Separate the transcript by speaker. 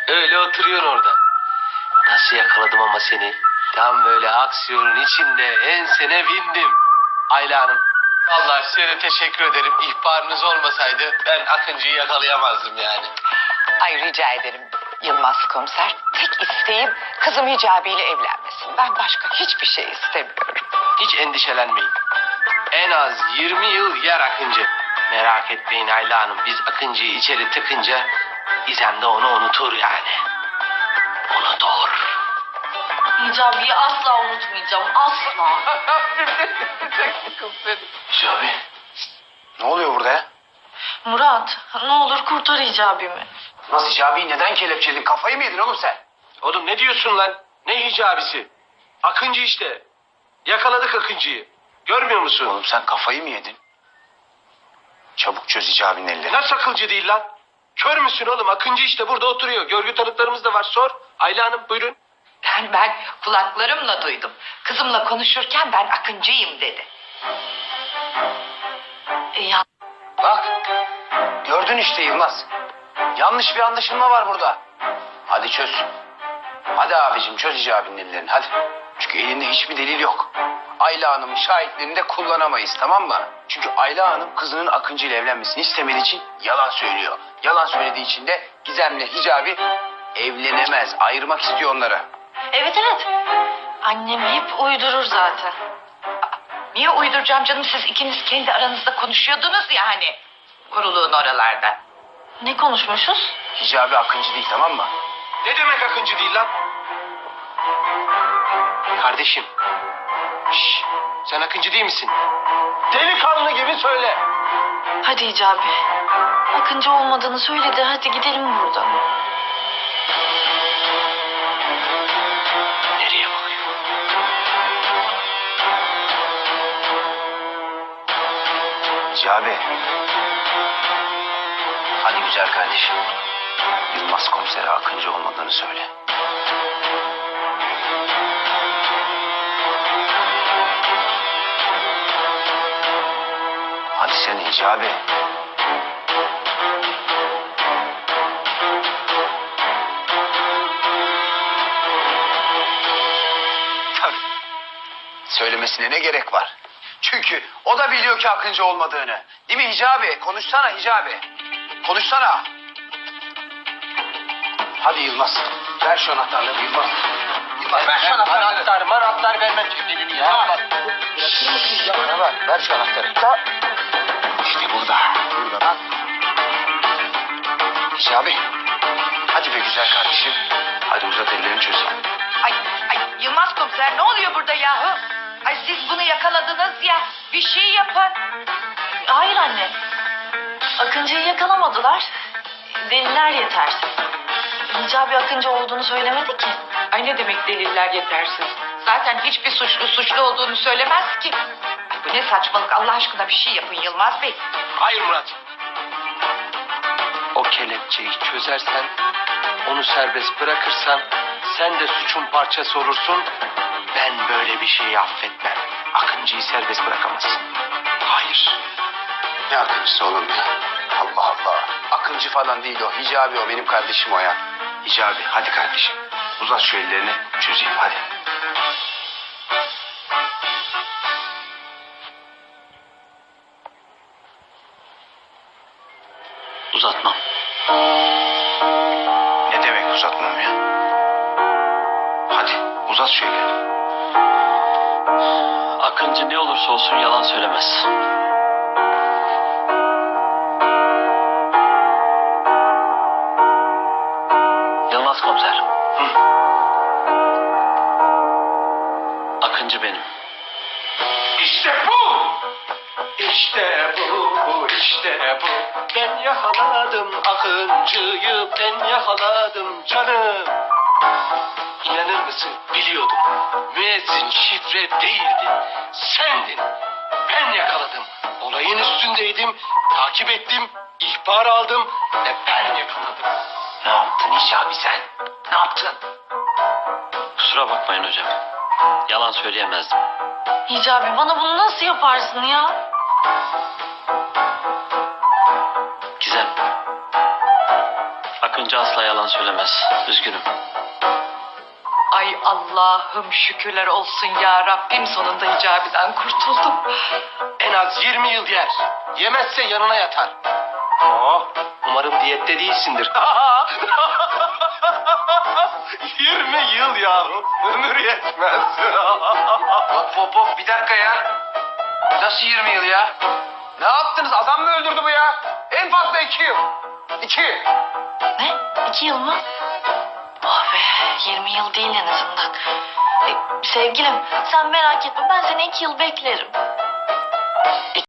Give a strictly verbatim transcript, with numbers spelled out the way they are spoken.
Speaker 1: Öyle oturuyor orada. Nasıl yakaladım ama seni? Tam böyle aksiyonun içinde ensene bindim. Ayla Hanım. Vallahi size de teşekkür ederim. İhbarınız olmasaydı ben Akıncı'yı yakalayamazdım yani.
Speaker 2: Ay rica ederim Yılmaz komiser. Tek isteğim kızım Hicabi ile evlenmesin. Ben başka hiçbir şey istemiyorum.
Speaker 1: Hiç endişelenmeyin. En az yirmi yıl yer Akıncı. Merak etmeyin Ayla Hanım. Biz Akıncı'yı içeri tıkınca İzem de onu unutur yani. Unutur.
Speaker 3: Hicabi'yi asla unutmayacağım. Asla.
Speaker 1: Hicabi.
Speaker 4: Ne oluyor burada ya?
Speaker 3: Murat ne olur kurtar Hicabi'mi.
Speaker 4: Nasıl Hicabi'yi neden kelepçeledin? Kafayı mı yedin oğlum sen?
Speaker 1: Oğlum ne diyorsun lan? Ne hicabisi? Akıncı işte. Yakaladık Akıncı'yı. Görmüyor musun?
Speaker 4: Oğlum sen kafayı mı yedin? Çabuk çöz Hicabi'nin ellerini.
Speaker 1: Nasıl akılcı değil lan? Kör müsün oğlum? Akıncı işte burada oturuyor. Görgü tanıklarımız da var. Sor. Ayla Hanım buyurun.
Speaker 2: Ben ben kulaklarımla duydum. Kızımla konuşurken ben Akıncıyım dedi.
Speaker 3: E, ya
Speaker 4: Bak. Gördün işte Yılmaz. Yanlış bir anlaşılma var burada. Hadi çöz. Hadi abicim çöz Hicabi'nin ellerini hadi. Çünkü elinde hiçbir delil yok. Ayla Hanım'ın şahitlerini de kullanamayız tamam mı? Çünkü Ayla Hanım kızının Akıncı ile evlenmesini istemediği için yalan söylüyor. Yalan söylediği için de Gizem'le Hicabi evlenemez. Ayırmak istiyor onları.
Speaker 3: evet evet. Annem hep uydurur zaten.
Speaker 2: Niye uyduracağım canım, siz ikiniz kendi aranızda konuşuyordunuz ya hani. Kuruluğun oralarda.
Speaker 3: Ne konuşmuşuz?
Speaker 4: Hicabi Akıncı değil tamam mı?
Speaker 1: Ne demek Akıncı değil lan? Kardeşim. Şş, sen Akıncı değil misin? Delikanlı gibi söyle.
Speaker 3: Hadi Hicabi. Akıncı olmadığını söyledi. Hadi gidelim buradan.
Speaker 1: Nereye bakıyor?
Speaker 4: Hicabi. Hadi güzel kardeşim. Yılmaz komisere Akıncı olmadığını söyle. Hadi sen Hicabi. Tabii. Söylemesine ne gerek var? Çünkü o da biliyor ki Akıncı olmadığını. Değil mi Hicabi? Konuşsana Hicabi. Konuşsana. Hadi Yılmaz. Ver şu anahtarları Yılmaz. Yılmaz ver şu anahtarları.
Speaker 1: Anahtar, manahtar vermem tüplerini ya.
Speaker 4: Ya. Bırakır mısın ya? Bana ver. Ver şu anahtarı. Ta. İşte burada. Burada bak. Hicabi. Hadi be güzel kardeşim. Hadi uzat ellerini çözeyim.
Speaker 2: Ay, ay Yılmaz komiser ne oluyor burada yahu? Ay siz bunu yakaladınız ya, bir şey yapın.
Speaker 3: Hayır anne. Akıncı'yı yakalamadılar. Deliller yetersiz. Hicabi Akıncı olduğunu söylemedi ki.
Speaker 2: Ay ne demek deliller yetersiz? Zaten hiçbir suçlu suçlu olduğunu söylemez ki. Ay bu ne saçmalık, Allah aşkına bir şey yapın Yılmaz Bey.
Speaker 1: Hayır Murat. O kelepçeyi çözersen, onu serbest bırakırsan sen de suçun parçası olursun. Ben böyle bir şeyi affetmem. Akıncı'yı serbest bırakamazsın. Hayır.
Speaker 4: Ne Akıncısı oğlum ya? Allah Allah. Akıncı falan değil o. Hicabi o. Benim kardeşim o ya. Hicabi hadi kardeşim. Uzat şu ellerini çözeyim hadi.
Speaker 1: Uzatmam.
Speaker 4: Ne demek uzatmam ya? Hadi uzat şu ellerini.
Speaker 1: Akıncı ne olursa olsun yalan söylemez. Yılmaz komiser.
Speaker 4: Hı.
Speaker 1: Akıncı benim. İşte bu! İşte bu, işte bu. Ben yakaladım Akıncı'yı, ben yakaladım canım. İnanır mısın? Biliyordum. Müezzin şifre değildi. Sendin. Ben yakaladım. Olayın üstündeydim. Takip ettim. İhbar aldım. Ve ben yakaladım.
Speaker 4: Ne yaptın Hicabi sen? Ne yaptın?
Speaker 1: Kusura bakmayın hocam. Yalan söyleyemezdim.
Speaker 3: Hicabi bana bunu nasıl yaparsın ya?
Speaker 1: Gizem. Akıncı
Speaker 5: amca asla yalan söylemez. Üzgünüm.
Speaker 2: Ay Allah'ım şükürler olsun ya Rabbim, sonunda Hicabi'den kurtuldum.
Speaker 1: En az yirmi yıl yer. Yemezse yanına yatar. Oh, umarım diyette değilsindir. yirmi yıl ya. Ömür yetmez.
Speaker 4: Hop hop hop bir dakika ya. Nasıl yirmi yıl ya? Ne yaptınız? Adam mı öldürdü bu ya? En fazla iki yıl. İki.
Speaker 3: Ne? İki yıl mı? Oh be, yirmi yıl değil en azından. E, sevgilim, sen merak etme, ben seni iki yıl beklerim.